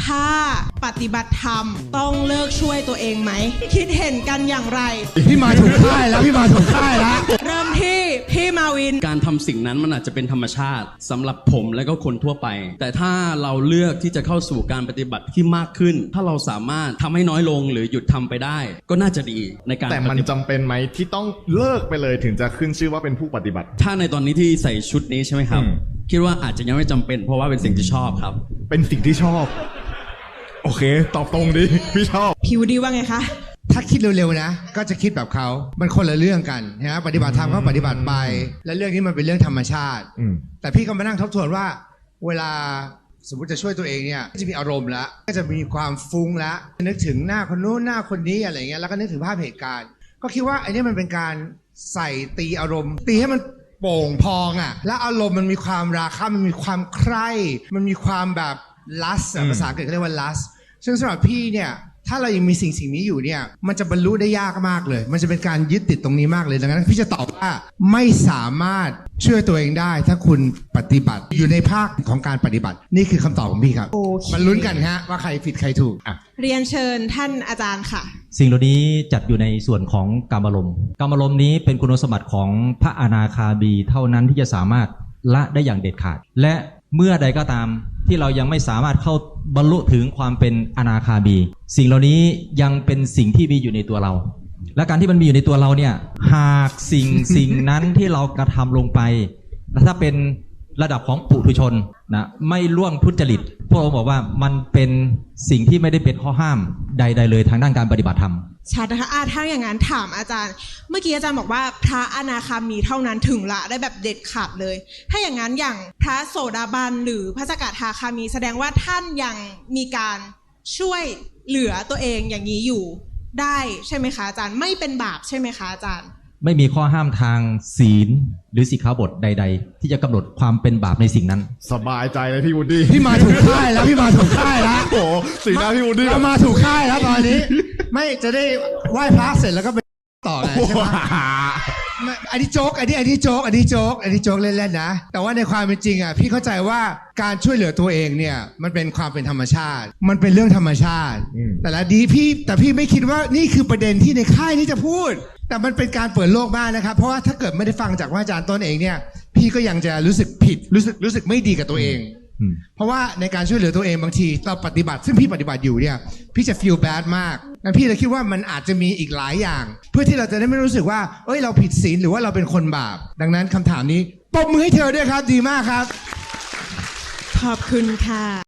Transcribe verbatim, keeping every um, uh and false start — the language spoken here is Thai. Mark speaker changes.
Speaker 1: ถ้าปฏิบัติธรรมต้องเลิกช่วยตัวเองไหมคิดเห็นกันอย่างไร
Speaker 2: พี่มาถูกค่ายแล้วพี่มาถูกค่ายแล้ว
Speaker 1: เริ่มที่พี่มาวิน
Speaker 3: การทำสิ่งนั้นมันอาจจะเป็นธรรมชาติสำหรับผมและก็คนทั่วไปแต่ถ้าเราเลือกที่จะเข้าสู่การปฏิบัติที่มากขึ้นถ้าเราสามารถทำให้น้อยลงหรือหยุดทำไปได้ก็น่าจะดีในการ
Speaker 4: แต่มันจำเป็นไหมที่ต้องเลิกไปเลยถึงจะขึ้นชื่อว่าเป็นผู้ปฏิบัติ
Speaker 3: ถ้าในตอนนี้ที่ใส่ชุดนี้ใช่ไหมครับคิดว่าอาจจะยังไม่จำเป็นเพราะว่าเป็นสิ่งที่ชอบครับ
Speaker 4: เป็นสิ่งที่ชอบโอเคตอบตรงดิพี่ชอบ
Speaker 1: ผิวดีว่าไงคะ
Speaker 2: ถ้าคิดเร็วๆนะก็จะคิดแบบเขามันคนละเรื่องกันนะปฏิบัติธรรมก็ปฏิบัติไปและเรื่องนี้มันเป็นเรื่องธรรมชาติแต่พี่ก็มานั่งทบทวนว่าเวลาสมมติจะช่วยตัวเองเนี่ยจะมีอารมณ์แล้วก็จะมีความฟุ้งแล้วนึกถึงหน้าคนนู้นหน้าคนนี้อะไรเงี้ยแล้วก็นึกถึงภาพเหตุการณ์ก็คิดว่าไอ้นี่มันเป็นการใส่ตีอารมณ์ตีให้มันโป่งพองอ่ะแล้วอารมณ์มันมีความราคะมันมีความใคร่มันมีความแบบลัสภาษาอังกฤษเขาเรียกว่าลัสซึ่งสำหรับพี่เนี่ยถ้าเรายังมีสิ่งสิ่งนี้อยู่เนี่ยมันจะบรรลุได้ยากมากเลยมันจะเป็นการยึดติดตรงนี้มากเลยดังนั้นพี่จะตอบว่าไม่สามารถช่วยตัวเองได้ถ้าคุณปฏิบัติอยู่ในภาคของการปฏิบัตินี่คือคำตอบของพี่ครับมันลุ้นกันฮะว่าใครผิดใครถูกอ่ะ
Speaker 1: เรียนเชิญท่านอาจารย์ค่ะ
Speaker 5: สิ่งเหล่านี้จัดอยู่ในส่วนของกามารมณ์กามารมณ์นี้เป็นคุณสมบัติของพระอนาคามีเท่านั้นที่จะสามารถละได้อย่างเด็ดขาดและเมื่อใดก็ตามที่เรายังไม่สามารถเข้าบรรลุถึงความเป็นอนาคามีสิ่งเหล่านี้ยังเป็นสิ่งที่มีอยู่ในตัวเราและการที่มันมีอยู่ในตัวเราเนี่ยหากสิ่ง สิ่งนั้นที่เรากระทำลงไปถ้าเป็นระดับของปุถุชนนะไม่ล่วงทุจริตพวกเราบอกว่ามันเป็นสิ่งที่ไม่ได้เป็นข้อห้ามใดๆเลยทางด้านการปฏิบัติธรรม
Speaker 1: ชัดนะคะถ้าอย่างนั้นถามอาจารย์เมื่อกี้อาจารย์บอกว่าพระอนาคามีเท่านั้นถึงละได้แบบเด็ดขาดเลยถ้าอย่างนั้นอย่างพระโสดาบันหรือพระสกทาคามีแสดงว่าท่านยังมีการช่วยเหลือตัวเองอย่างนี้อยู่ได้ใช่ไหมคะอาจารย์ไม่เป็นบาปใช่ไหมคะอาจารย์
Speaker 5: ไม่มีข้อห้ามทางศีลหรือสิกขาบทใดๆที่จะกำหนดความเป็นบาปในสิ่งนั้น
Speaker 4: สบายใจเลยพี่วูดดี้
Speaker 2: พี่มาถูกค่ายแล้วพี่มาถูกค่ายแล้ว
Speaker 4: โอ้สีหน้าพี่วูดดี้
Speaker 2: เรามาถูกค่ายแล้วตอนนี้ไม่จะได้ไหว้พระเสร็จแล้วก็ไปต่อไงใช่ไหมอันนี้โจ๊กอันนี้อันนี้โจ๊กอันนี้โจ๊กอันนี้โจ๊กเล่นๆนะแต่ว่าในความเป็นจริงอ่ะพี่เข้าใจว่าการช่วยเหลือตัวเองเนี่ยมันเป็นความเป็นธรรมชาติมันเป็นเรื่องธรรมชาติแต่ละดีพี่แต่พี่ไม่คิดว่านี่คือประเด็นที่ในค่ายนี้จะพูดแต่มันเป็นการเปิดโลกมากนะครับเพราะว่าถ้าเกิดไม่ได้ฟังจากว่าอาจารย์ต้นเองเนี่ยพี่ก็ยังจะรู้สึกผิดรู้สึกรู้สึกไม่ดีกับตัวเองเพราะว่าในการช่วยเหลือตัวเองบางทีเราปฏิบัติซึ่งพี่ปฏิบัติอยู่เนี่ยพี่จะ feel bad มากงั้นพี่เลยคิดว่ามันอาจจะมีอีกหลายอย่างเพื่อที่เราจะได้ไม่รู้สึกว่าเอ้ยเราผิดศีลหรือว่าเราเป็นคนบาปดังนั้นคำถามนี้ปรบมือให้เธอด้วยครับดีมากครับ
Speaker 1: ขอบคุณค่ะ